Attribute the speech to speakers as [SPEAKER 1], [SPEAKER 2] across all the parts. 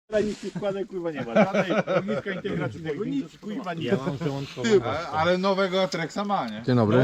[SPEAKER 1] Nic nie składek, kurwa nie ma. Żadnej ogniska integracyjnego, nic kurwa nie ma.
[SPEAKER 2] Ale nowego Atrexa ma, nie?
[SPEAKER 3] Dzień dobry.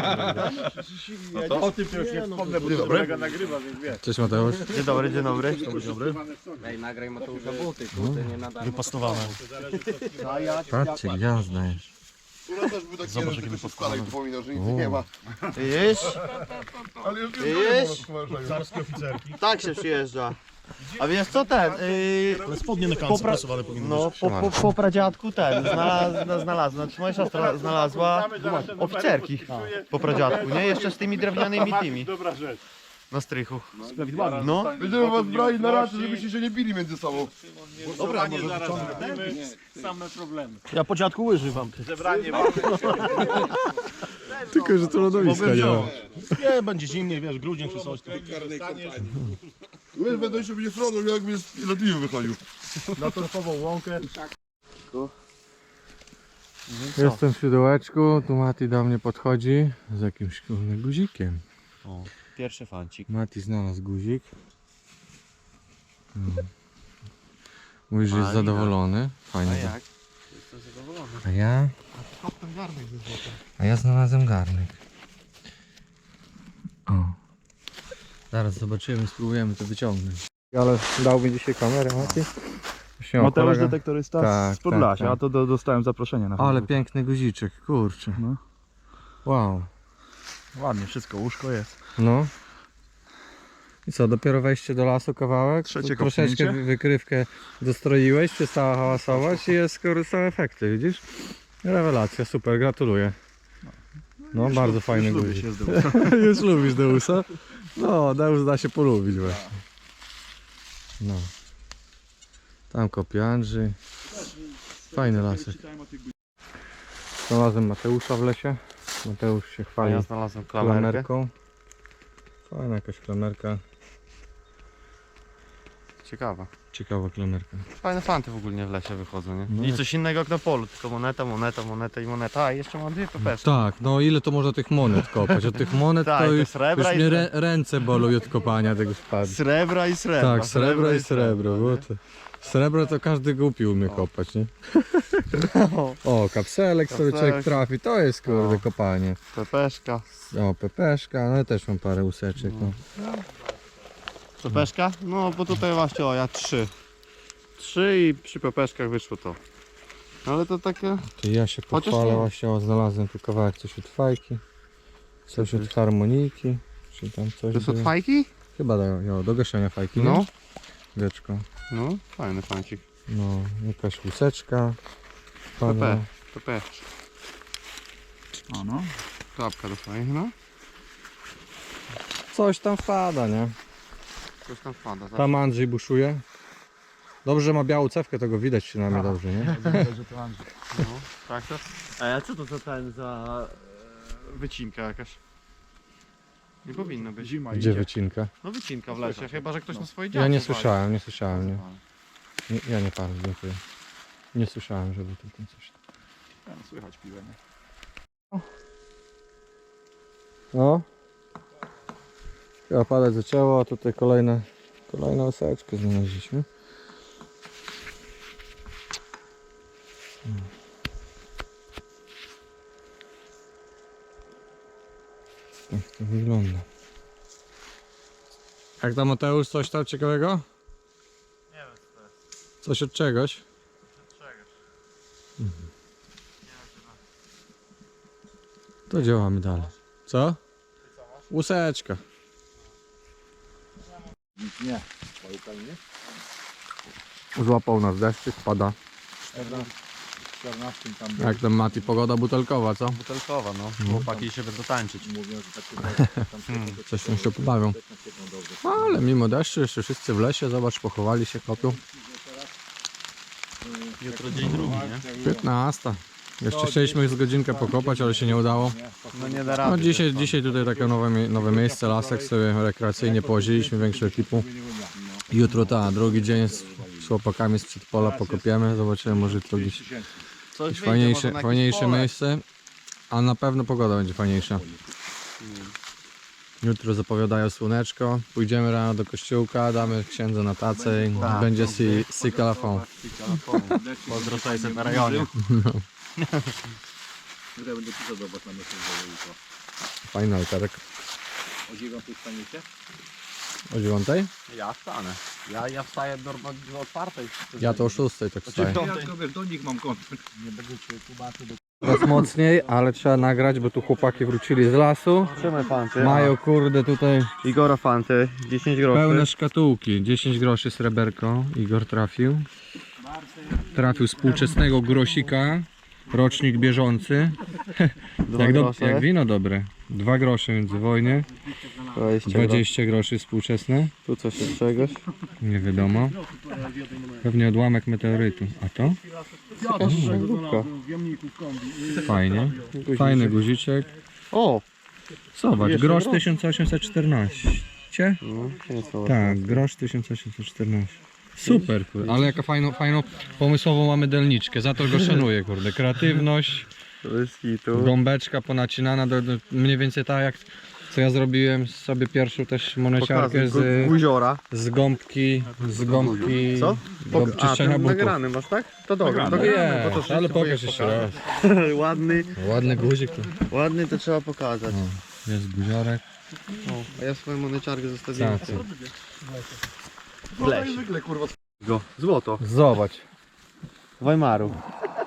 [SPEAKER 1] O tym to już nie wspomnę, bo to kolega nagrywa, więc wiesz.
[SPEAKER 3] Cześć Mateusz.
[SPEAKER 4] Dzień dobry, dzień dobry.
[SPEAKER 5] Ej, nagraj Mateusza buty, kurde, nie nada.
[SPEAKER 4] Wypastowane.
[SPEAKER 3] Patrzcie, gwiazda jest.
[SPEAKER 2] Ura też był taki jeden, który się składał i przypominał, że nic nie ma.
[SPEAKER 4] Widzisz?
[SPEAKER 2] Ale już
[SPEAKER 4] Widzisz?
[SPEAKER 1] Zarskie oficerki.
[SPEAKER 4] Tak się przyjeżdża. A wiesz co ten?
[SPEAKER 1] Ale spodnie na kance prasowane powinny
[SPEAKER 4] No, po pradziadku ten, znalazła, znaczy moja siostra znalazła oficerki po pradziadku, nie? Jeszcze z tymi drewnianymi tymi
[SPEAKER 1] Dobra rzecz.
[SPEAKER 4] na strychu. No,
[SPEAKER 2] Będziemy was brali na raty, żebyście się nie bili między sobą.
[SPEAKER 1] Dobra, może zaraz zrobimy same problemy.
[SPEAKER 4] ja po dziadku łyży wam.
[SPEAKER 1] Zebranie
[SPEAKER 3] Tylko, że to lodowiska nie ma.
[SPEAKER 1] nie, będzie zimniej, wiesz, grudzień czy coś.
[SPEAKER 2] Wiesz, będę się będzie stronął, jak mnie z lotniwy wychodził.
[SPEAKER 1] Na torfową łąkę.
[SPEAKER 3] Jestem w siodełeczku, tu Mati do mnie podchodzi z jakimś kurde guzikiem.
[SPEAKER 4] O, pierwszy fancik.
[SPEAKER 3] Mati znalazł guzik. Mówi, że jest
[SPEAKER 4] Fajnie.
[SPEAKER 3] zadowolony.
[SPEAKER 4] A
[SPEAKER 3] Fajnie.
[SPEAKER 4] jak? Jestem zadowolony.
[SPEAKER 3] A ja znalazłem garnek. O. Zaraz zobaczymy, spróbujemy to wyciągnąć. Ale dał mi dzisiaj kamerę, Mati.
[SPEAKER 1] Mateusz detektorysta
[SPEAKER 3] Tak,
[SPEAKER 1] z Podlasia,
[SPEAKER 3] tak,
[SPEAKER 1] a to dostałem zaproszenie na
[SPEAKER 3] Ale
[SPEAKER 1] Facebook.
[SPEAKER 3] piękny guziczek, kurczę.
[SPEAKER 1] No.
[SPEAKER 3] Wow.
[SPEAKER 1] Ładnie, wszystko, łóżko jest.
[SPEAKER 3] No. I co, dopiero wejście do lasu kawałek?
[SPEAKER 1] Trzecie
[SPEAKER 3] Troszeczkę
[SPEAKER 1] kopnięcie.
[SPEAKER 3] wykrywkę dostroiłeś, przestała hałasować i jest są efekty, widzisz? Rewelacja, super, gratuluję. No, bardzo fajny
[SPEAKER 1] Lubię
[SPEAKER 3] guzik.
[SPEAKER 1] się z Deusa.
[SPEAKER 3] Już lubisz Deusa? No, Deus da się polubić właśnie. No. Tam kopie Andrzej. Fajny lasek. Znalazłem Mateusza w lesie. Mateusz się
[SPEAKER 4] A
[SPEAKER 3] chwali
[SPEAKER 4] ja znalazłem klamerkę.
[SPEAKER 3] klamerką. Fajna jakaś klamerka.
[SPEAKER 4] Ciekawa.
[SPEAKER 3] Ciekawa klamerka.
[SPEAKER 4] Fajne fanty w ogóle w lesie wychodzą, nie?
[SPEAKER 3] No
[SPEAKER 4] I
[SPEAKER 3] jak-
[SPEAKER 4] coś innego jak na polu, tylko moneta, moneta, moneta i moneta. A jeszcze mam dwie pepeszki.
[SPEAKER 3] Tak, no ile to można tych monet kopać? Od tych monet
[SPEAKER 4] Tak,
[SPEAKER 3] to
[SPEAKER 4] to
[SPEAKER 3] już,
[SPEAKER 4] srebra
[SPEAKER 3] już
[SPEAKER 4] i
[SPEAKER 3] mnie ręce bolą od kopania tego spadku.
[SPEAKER 4] Srebra i srebra.
[SPEAKER 3] Tak, srebro i srebro. Bo to, srebro to każdy głupi umie kopać, nie? O, kapselek sobie
[SPEAKER 4] Kapselek.
[SPEAKER 3] człowiek trafi, to jest kurde kopanie.
[SPEAKER 4] Pepeszka.
[SPEAKER 3] O, pepeszka, no ja też mam parę łuseczek. No.
[SPEAKER 4] Pepeszka? No bo tutaj właśnie, o ja trzy. Trzy i przy pepeszkach wyszło to. Ale to takie...
[SPEAKER 3] To ja się
[SPEAKER 4] Chociaż
[SPEAKER 3] pochwalę,
[SPEAKER 4] nie-
[SPEAKER 3] właśnie o, znalazłem tu kawałek coś od fajki, coś od harmonijki, czy tam coś
[SPEAKER 4] To są
[SPEAKER 3] było.
[SPEAKER 4] fajki?
[SPEAKER 3] Chyba do gaszenia fajki,
[SPEAKER 4] No.
[SPEAKER 3] nie? Wieczko.
[SPEAKER 4] No, fajny fancik.
[SPEAKER 3] No, jakaś łuseczka. Pana.
[SPEAKER 4] Pepe. Pepeszka.
[SPEAKER 1] A no.
[SPEAKER 4] Klapka do fajnych, no.
[SPEAKER 3] Coś tam wpada, nie?
[SPEAKER 4] Coś tam wpada. Tak.
[SPEAKER 3] Tam Andrzej buszuje. Dobrze, że ma białą cewkę, to go widać przynajmniej dobrze, nie?
[SPEAKER 4] No, tak to. A co to za ten za wycinka jakaś? Nie powinno być.
[SPEAKER 1] Zima
[SPEAKER 3] Gdzie
[SPEAKER 1] idzie.
[SPEAKER 3] wycinka?
[SPEAKER 4] No wycinka w lesie, chyba że ktoś na swoje
[SPEAKER 3] Ja
[SPEAKER 4] działki
[SPEAKER 3] nie
[SPEAKER 4] wali.
[SPEAKER 3] słyszałem, nie. Ja nie palę, dziękuję. Nie słyszałem, żeby tutaj coś...
[SPEAKER 1] Tam słychać piłę, nie?
[SPEAKER 3] No. Chyba padać zaczęło, a tutaj kolejną łuseczkę znaleźliśmy. Tak to wygląda. Jak tam Mateusz, coś tam ciekawego?
[SPEAKER 4] Nie wiem co to jest.
[SPEAKER 3] Coś od czegoś?
[SPEAKER 4] Czegoś.
[SPEAKER 3] To działamy dalej. Co? Łuseczka.
[SPEAKER 1] Nie.
[SPEAKER 3] Złapał nas deszczyk, pada.
[SPEAKER 1] 14 tam
[SPEAKER 3] Jak tam Mati, pogoda butelkowa, co?
[SPEAKER 4] Butelkowa, no. Chłopaki się będą tańczyć.
[SPEAKER 1] mówią, że takie
[SPEAKER 3] Coś tam się pobawią. Ale mimo deszczu jeszcze wszyscy w lesie, zobacz, pochowali się, kopią.
[SPEAKER 4] Jutro dzień drugi, nie?
[SPEAKER 3] 15. Jeszcze chcieliśmy z godzinkę pokopać, ale się nie udało.
[SPEAKER 4] No nie da
[SPEAKER 3] No
[SPEAKER 4] rady.
[SPEAKER 3] dzisiaj tutaj takie nowe miejsce, lasek sobie rekreacyjnie połaziliśmy, większą ekipą. Jutro drugi dzień z chłopakami z przedpola pokopiemy, zobaczymy, może jutro gdzieś
[SPEAKER 4] Coś
[SPEAKER 3] jakieś
[SPEAKER 4] wyjdzie, może na jakieś
[SPEAKER 3] fajniejsze
[SPEAKER 4] pole.
[SPEAKER 3] miejsce. A na pewno pogoda będzie fajniejsza. Jutro zapowiadają słoneczko. Pójdziemy rano do kościółka, damy księdza na tacę i będzie si kalafon.
[SPEAKER 4] Pozdro 600 na rejonie.
[SPEAKER 1] Tutaj będę pisał, zobacz na myśli, jutro.
[SPEAKER 3] Fajny altarek.
[SPEAKER 1] O 9 staniecie?
[SPEAKER 3] O 9?
[SPEAKER 5] Ja wstanę. Ja wstaję normalnie o 4.
[SPEAKER 3] Ja to o 6 tak wstaję.
[SPEAKER 1] Ja tylko wiesz, do nich mam kontakt. Nie będę cię tłumaczył.
[SPEAKER 3] Teraz mocniej, ale trzeba nagrać, bo tu chłopaki wrócili z lasu.
[SPEAKER 4] Trzymaj fanty.
[SPEAKER 3] Mają kurde tutaj
[SPEAKER 4] Igora fanty, 10 groszy.
[SPEAKER 3] pełne szkatułki. 10 groszy sreberko. Igor trafił. Trafił współczesnego grosika. Rocznik bieżący. Jak wino dobre. 2 grosze międzywojnie. 20 groszy współczesne.
[SPEAKER 4] Tu coś jest czegoś.
[SPEAKER 3] Nie wiadomo. Pewnie odłamek meteorytu. A to? Fajnie. Fajny guziczek.
[SPEAKER 4] O!
[SPEAKER 3] Zobacz,
[SPEAKER 4] Jeszcze
[SPEAKER 3] grosz
[SPEAKER 4] grosz.
[SPEAKER 3] 1814.
[SPEAKER 4] No,
[SPEAKER 3] Tak, grosz 1814. Super, kurde. Ale jaka fajną pomysłową mamy delniczkę. Za to go szanuję, kurde. Kreatywność,
[SPEAKER 4] To jest hitu.
[SPEAKER 3] gąbeczka ponacinana, do mniej więcej tak jak co ja zrobiłem sobie pierwszą też moneciarkę
[SPEAKER 4] Guziora.
[SPEAKER 3] z gąbki,
[SPEAKER 4] Co?
[SPEAKER 3] do czyszczenia butów.
[SPEAKER 4] nagrany masz, tak? To dobra.
[SPEAKER 3] No jest, ale pokaż jeszcze raz.
[SPEAKER 4] Ładny,
[SPEAKER 3] Ładny guzik.
[SPEAKER 4] ładny to trzeba pokazać.
[SPEAKER 3] Jest guziorek.
[SPEAKER 4] A ja swoją moneciarkę zostawiłem.
[SPEAKER 3] Tak.
[SPEAKER 4] Leś.
[SPEAKER 2] Zwykle kurwa.
[SPEAKER 4] Złoto.
[SPEAKER 3] Zobacz.
[SPEAKER 4] Weimaru.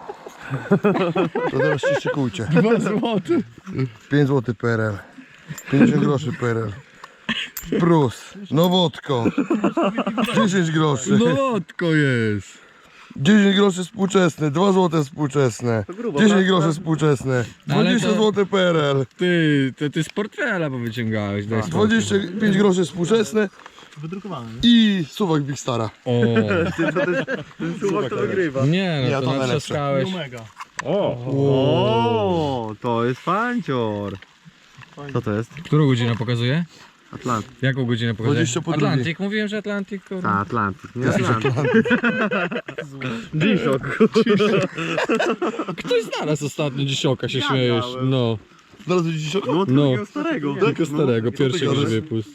[SPEAKER 2] To teraz się szykujcie.
[SPEAKER 3] 2 złote.
[SPEAKER 2] 5 zł PRL. 50 groszy PRL. Prus. Nowotko. 10 groszy.
[SPEAKER 3] Lotko jest.
[SPEAKER 2] 10 groszy współczesne. 2 zł współczesne. 10 groszy współczesne.
[SPEAKER 3] Ale
[SPEAKER 2] 20
[SPEAKER 3] to-
[SPEAKER 2] zł PRL.
[SPEAKER 3] Ty z portfela bo wyciągałeś. Daj spokój.
[SPEAKER 2] 25 groszy współczesne. I suwak Big Stara.
[SPEAKER 3] O,
[SPEAKER 4] Ten suwak to wygrywa.
[SPEAKER 3] nie no,
[SPEAKER 2] Ja
[SPEAKER 3] to
[SPEAKER 2] to najlepsze.
[SPEAKER 3] natrzaskałeś.
[SPEAKER 4] O, to jest fancior. Co to jest?
[SPEAKER 3] Którą godzinę pokazuje?
[SPEAKER 4] Atlantyk.
[SPEAKER 3] Jaką godzinę pokazuje?
[SPEAKER 2] 20 po drugiej.
[SPEAKER 3] Atlantyk, mówiłem, że Atlantyk. Kurwa.
[SPEAKER 4] Atlantyk, nie Atlantyk. G-Shock.
[SPEAKER 3] Ktoś znalazł ostatnio dzisioka, się śmiejesz.
[SPEAKER 4] miałem.
[SPEAKER 3] No,
[SPEAKER 2] Znalazłeś dziś
[SPEAKER 3] no,
[SPEAKER 4] starego.
[SPEAKER 3] tylko starego, pierwszy
[SPEAKER 2] gadasz?
[SPEAKER 3] już wypust.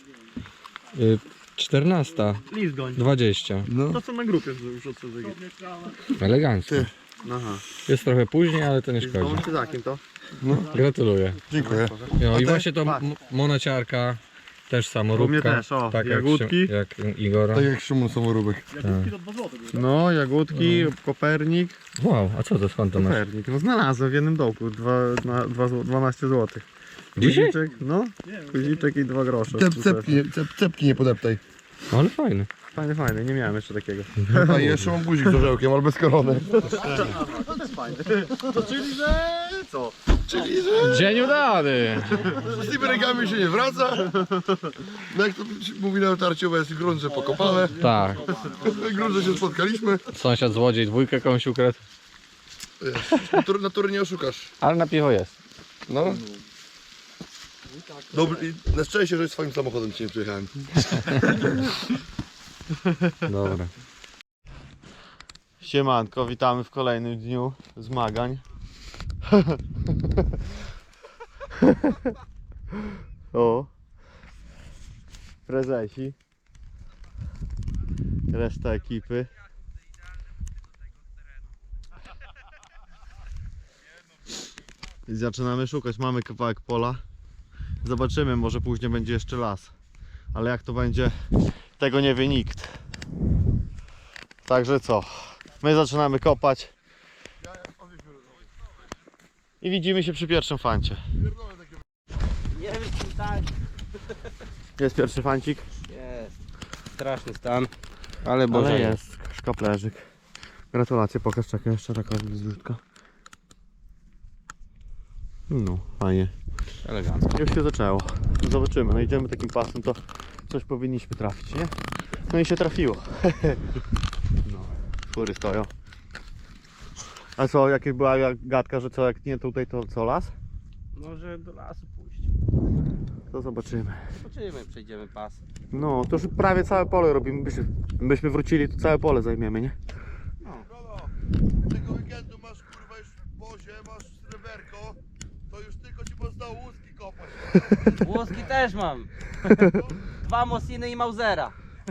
[SPEAKER 3] 14,
[SPEAKER 4] List goń.
[SPEAKER 3] 20.
[SPEAKER 2] No.
[SPEAKER 4] To co na grupie już od CZG.
[SPEAKER 3] Elegancko.
[SPEAKER 2] Ty.
[SPEAKER 4] Aha.
[SPEAKER 3] Jest trochę później, ale to nie
[SPEAKER 4] Z
[SPEAKER 3] szkodzi.
[SPEAKER 4] tą czy za kim to?
[SPEAKER 3] Gratuluję.
[SPEAKER 2] Dziękuję.
[SPEAKER 3] No i
[SPEAKER 2] ty?
[SPEAKER 3] właśnie to monociarka, też samoróbka.
[SPEAKER 4] U mnie też, o,
[SPEAKER 3] tak
[SPEAKER 4] jagódki.
[SPEAKER 3] Jak Igora.
[SPEAKER 2] Tak jak Szymon Samoróbek.
[SPEAKER 4] No, jagódki, Kopernik.
[SPEAKER 3] Wow, a co to, skąd to masz?
[SPEAKER 4] Kopernik, no znalazłem w jednym dołku, 12 zł.
[SPEAKER 3] Dzisiaj?
[SPEAKER 4] Guziczek, no, guziczek i 2 grosze.
[SPEAKER 2] Cepki nie podeptaj.
[SPEAKER 3] No, ale fajny.
[SPEAKER 4] Fajny, fajny, nie miałem jeszcze takiego.
[SPEAKER 2] A i jeszcze mam guzik z orzełkiem, ale bez korony.
[SPEAKER 3] Dzień udany!
[SPEAKER 2] Z tymi rękami się nie wraca. No jak to mówi na otarciu, jest grunże pokopane.
[SPEAKER 3] Tak,
[SPEAKER 2] Grunże się spotkaliśmy.
[SPEAKER 3] sąsiad złodziej dwójkę komuś ukradł.
[SPEAKER 2] Natury nie oszukasz.
[SPEAKER 3] Ale na piwo jest.
[SPEAKER 2] No. Dobry, i na szczęście, że swoim samochodem dzisiaj przyjechałem.
[SPEAKER 3] Dobra.
[SPEAKER 4] Siemanko, witamy w kolejnym dniu zmagań. O, prezesi, reszta ekipy. I zaczynamy szukać, mamy kawałek pola. Zobaczymy, może później będzie jeszcze las. Ale jak to będzie, tego nie wie nikt. Także co, my zaczynamy kopać i widzimy się przy pierwszym fancie.
[SPEAKER 5] Nie wiem, czy tak
[SPEAKER 4] Jest pierwszy fancik,
[SPEAKER 5] jest. Straszny stan. Ale Boże
[SPEAKER 4] ale jest szkaplerzyk. Gratulacje, pokaż, czekaj jeszcze taka zrzutka. No, fajnie.
[SPEAKER 5] Elegancko.
[SPEAKER 4] Już się zaczęło. Zobaczymy, no idziemy takim pasem, to coś powinniśmy trafić, nie? No i się trafiło. No, skóry stoją. A co, jaka była gadka, że co, jak nie tutaj, to co, las?
[SPEAKER 5] Może do lasu pójść.
[SPEAKER 4] To zobaczymy.
[SPEAKER 5] Zobaczymy, przejdziemy pas.
[SPEAKER 4] No, to już prawie całe pole robimy. Byśmy wrócili, to całe pole zajmiemy, nie?
[SPEAKER 2] Tego weekendu masz kurwa już w bozie, masz sreberko, to już tylko ci pozostało łuski kopać.
[SPEAKER 5] Włoski też mam. 2 Mossiny i Mausera.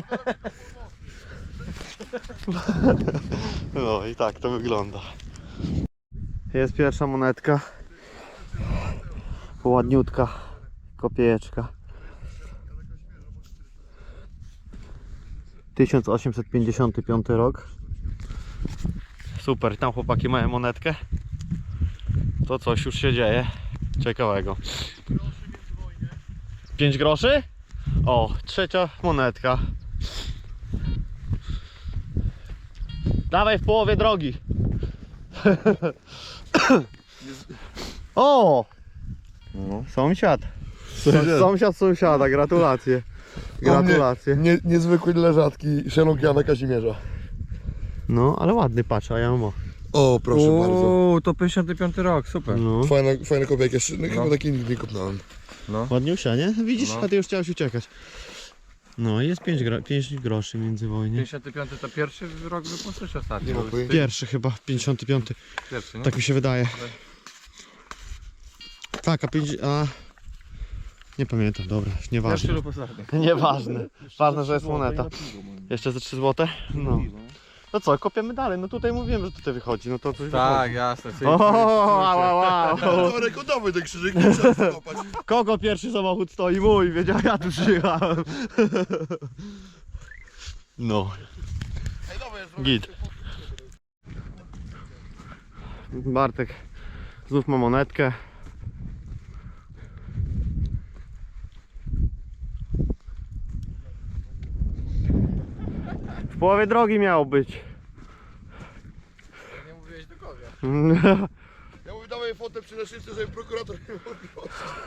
[SPEAKER 4] No i tak to wygląda. Jest pierwsza monetka. Ładniutka kopiejeczka. 1855 rok. Super, tam chłopaki mają monetkę. To coś już się dzieje ciekawego. 5 groszy? O, trzecia monetka. Dawaj w połowie drogi. O! Sąsiad. Sąsiad sąsiada, gratulacje. Gratulacje.
[SPEAKER 2] Niezwykły dla rzadki szeląg Jana Kazimierza.
[SPEAKER 4] No, ale ładny, patrz, a ja mam o.
[SPEAKER 2] O, proszę bardzo.
[SPEAKER 3] Uuu, to 55 rok, super.
[SPEAKER 4] No.
[SPEAKER 2] Fajna kopieka, jeszcze chyba takiej nigdy nie kopnąłem.
[SPEAKER 4] Ładniusia, nie? Widzisz,
[SPEAKER 3] No.
[SPEAKER 4] a ty już chciałeś uciekać. No i jest 5 groszy międzywojnie.
[SPEAKER 3] 55 to pierwszy rok wypuszczę czy ostatni?
[SPEAKER 2] Nie ma pojęcia.
[SPEAKER 4] Pierwszy chyba, 55.
[SPEAKER 3] Pierwszy, nie?
[SPEAKER 4] Tak mi się wydaje. Tak, a... Nie pamiętam, dobra,
[SPEAKER 3] Pierwszy
[SPEAKER 4] nieważne.
[SPEAKER 3] lub ostatni.
[SPEAKER 4] Nieważne. Ważne, że jest moneta. Jeszcze ze 3 zł? No. No co, kopiemy dalej. No tutaj mówiłem, że tutaj wychodzi. No to coś
[SPEAKER 3] Tak, jasne.
[SPEAKER 4] wychodzi. Wow.
[SPEAKER 2] To rekordowy ten krzyżyk, nie trzeba skopać.
[SPEAKER 4] Kogo pierwszy samochód stoi? Mój, wiedział, ja tu przyjechałem. No. Git. Bartek znów ma monetkę. W połowie drogi miał być.
[SPEAKER 3] Nie mówiłeś do kogo.
[SPEAKER 2] Ja mówię, dawaj fotę przy naszywce, żeby prokurator nie mógł.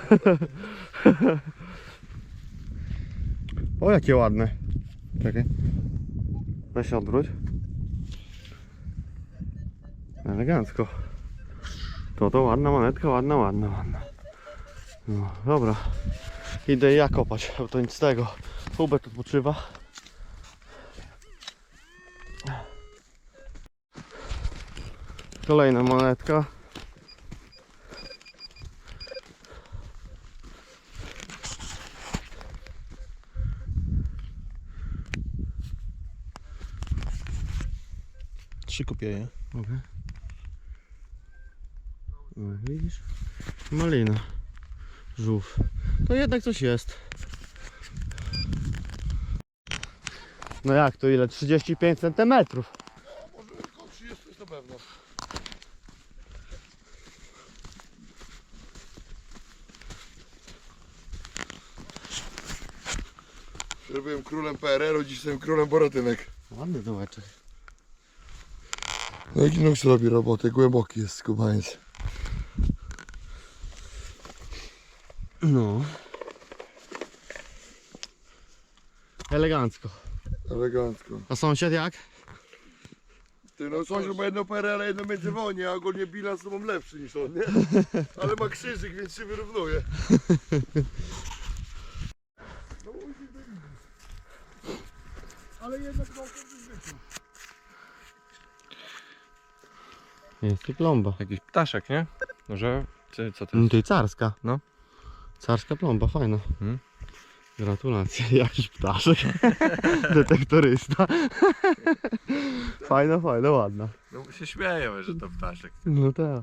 [SPEAKER 4] O, jakie ładne. Czekaj. Weź się odwróć. Elegancko. To ładna monetka, ładna. No, dobra. Idę ja kopać, bo to nic z tego. Hubert odpoczywa. Kolejna monetka.
[SPEAKER 1] Trzy kopieje.
[SPEAKER 4] Okay. No, widzisz? Malina. Żółw. To jednak coś jest. No jak to ile? 35 cm.
[SPEAKER 2] Może około 30 jest na pewno. Ja byłem królem PRL-u, dziś jestem królem Boratynek.
[SPEAKER 4] Ładny dołeczek.
[SPEAKER 2] No jaki nóż robi robotę, głęboki jest skubaniec.
[SPEAKER 4] No. Elegancko.
[SPEAKER 2] Elegancko.
[SPEAKER 4] A sąsiad jak?
[SPEAKER 2] Ty no sąsiad ma jedno PRL, jedno międzywojnie, a ogólnie bilans to mam lepszy niż on, nie? Ale ma krzyżyk, więc się wyrównuje. Ale jednak no,
[SPEAKER 4] Jest i plomba.
[SPEAKER 3] Jakiś ptaszek, nie? Może... Czy co to jest?
[SPEAKER 4] To i carska.
[SPEAKER 3] No.
[SPEAKER 4] Carska plomba, fajna.
[SPEAKER 3] Hmm.
[SPEAKER 4] Gratulacje. Jakiś ptaszek. Detektorysta. Fajna, ładna.
[SPEAKER 1] No się śmieję, że to ptaszek.
[SPEAKER 4] No tak.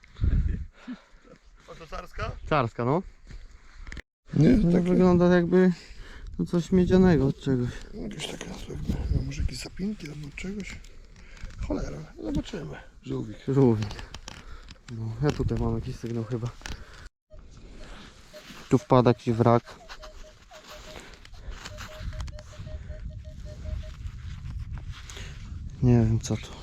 [SPEAKER 2] A to carska?
[SPEAKER 4] Carska, no.
[SPEAKER 2] Nie,
[SPEAKER 4] To tak wygląda jakby no coś miedzianego od czegoś.
[SPEAKER 2] Jakieś taka, no, może jakieś zapinki albo czegoś. Cholera, zobaczymy. Żółwik.
[SPEAKER 4] Żółwik. No, ja tutaj mam jakiś sygnał chyba. Tu wpada jakiś wrak. Nie wiem co to.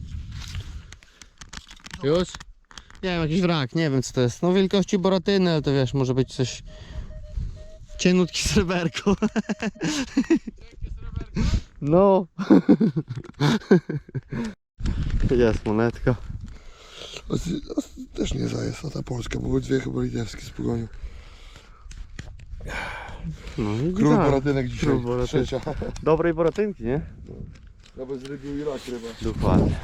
[SPEAKER 4] Już? Nie wiem, jakiś wrak, nie wiem co to jest. No wielkości Boratyny, ale to wiesz, może być coś... Cienutki sreberko. No. Jest monetka.
[SPEAKER 2] Też nie zajest, a ta polska, bo były dwie chyba litewskie z pogonią.
[SPEAKER 4] No i
[SPEAKER 2] Król
[SPEAKER 4] tak.
[SPEAKER 2] Boratynek dzisiaj,
[SPEAKER 4] Król Boratynek.
[SPEAKER 2] trzecia.
[SPEAKER 4] Dobrej Boratynki, nie?
[SPEAKER 2] Nawet z rybił i rak ryba.
[SPEAKER 4] Dokładnie.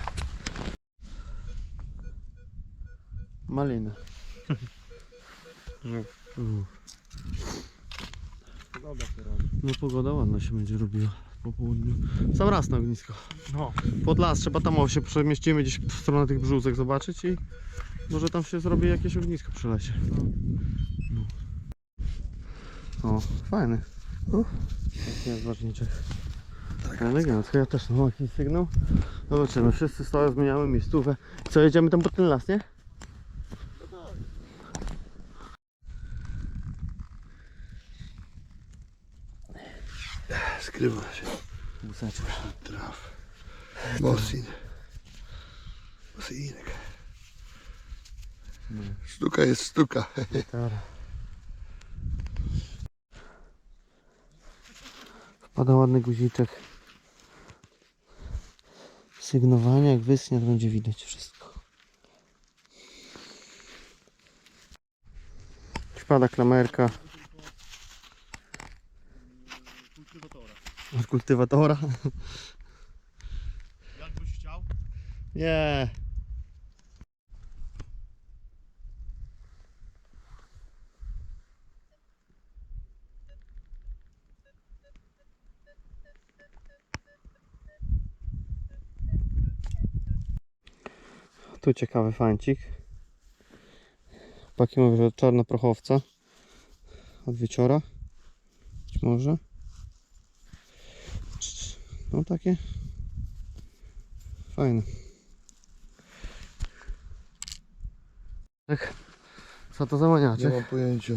[SPEAKER 4] Malina. No pogoda ładna się będzie robiła po południu. Sam raz na ognisko.
[SPEAKER 1] No.
[SPEAKER 4] Pod las trzeba tam się przemieścimy gdzieś w stronę tych brzózek zobaczyć i może tam się zrobi jakieś ognisko przy lesie. No. O, fajny. Taki jest ważniczek. Tak, elegancko. Ja też mam jakiś sygnał. Zobaczymy, wszyscy stoją, zmieniamy miejscówkę. Co, jedziemy tam pod ten las, nie?
[SPEAKER 2] Skrywa się.
[SPEAKER 4] Buseczka.
[SPEAKER 2] Traf. Mosin. Mosinek. Sztuka jest sztuka.
[SPEAKER 4] Wpada ładny guziczek. Sygnowanie, jak wysnie, to będzie widać wszystko. Wpada klamerka. Od kultywatora.
[SPEAKER 1] Jakbyś chciał?
[SPEAKER 4] Nie. Tu ciekawy fancik. Chłopaki mówią, że czarnoprochowca. Od wieczora. Być może. No takie. Fajne. Tak. Co to za
[SPEAKER 2] Nie
[SPEAKER 4] maniaczek?
[SPEAKER 2] mam pojęcia.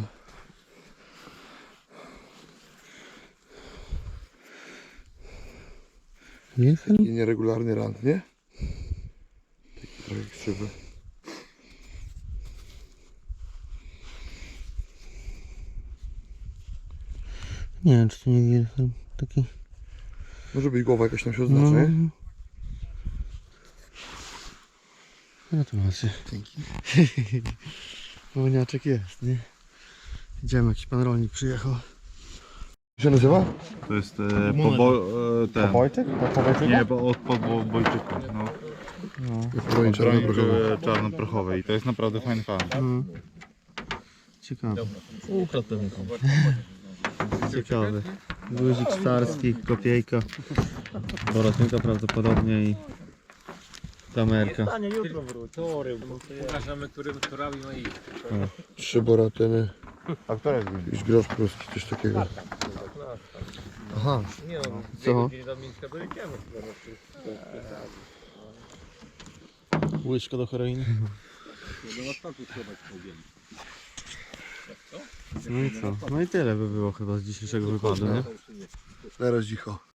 [SPEAKER 4] Wilhelm?
[SPEAKER 2] Taki nieregularny rand, nie? Taki trochę krzywy.
[SPEAKER 4] Nie wiem, czy to nie Wilhelm. Taki.
[SPEAKER 2] Może być głowa jakaś tam się oznacza, nie?
[SPEAKER 4] Gratulacje.
[SPEAKER 2] Dzięki.
[SPEAKER 4] Maniaczek jest, nie? Idziemy, jakiś pan rolnik przyjechał.
[SPEAKER 2] Jak się nazywa?
[SPEAKER 6] To jest ten.
[SPEAKER 4] Pobojczyk?
[SPEAKER 6] Nie, bo od Bojczyku. No.
[SPEAKER 2] Broń
[SPEAKER 6] Broń
[SPEAKER 2] czarnoprochowa.
[SPEAKER 6] czarnoprochowej. I to jest naprawdę fajny fan.
[SPEAKER 4] Ciekawe. Ciekawy. Guzik starski, kopiejka. Borotynka prawdopodobnie i kamerka.
[SPEAKER 5] Stanie jutro wróć.
[SPEAKER 1] Pokażemy, kto robi no i...
[SPEAKER 2] 3 boratyny.
[SPEAKER 6] A które jest
[SPEAKER 2] Jakiś grosz polski, coś takiego.
[SPEAKER 4] Aha.
[SPEAKER 1] Nie no,
[SPEAKER 4] Co?
[SPEAKER 1] do Mińska dojedziemy.
[SPEAKER 4] Łyżka do heroiny. No i co? No i tyle by było chyba z dzisiejszego wypadu, nie?
[SPEAKER 2] Teraz cicho.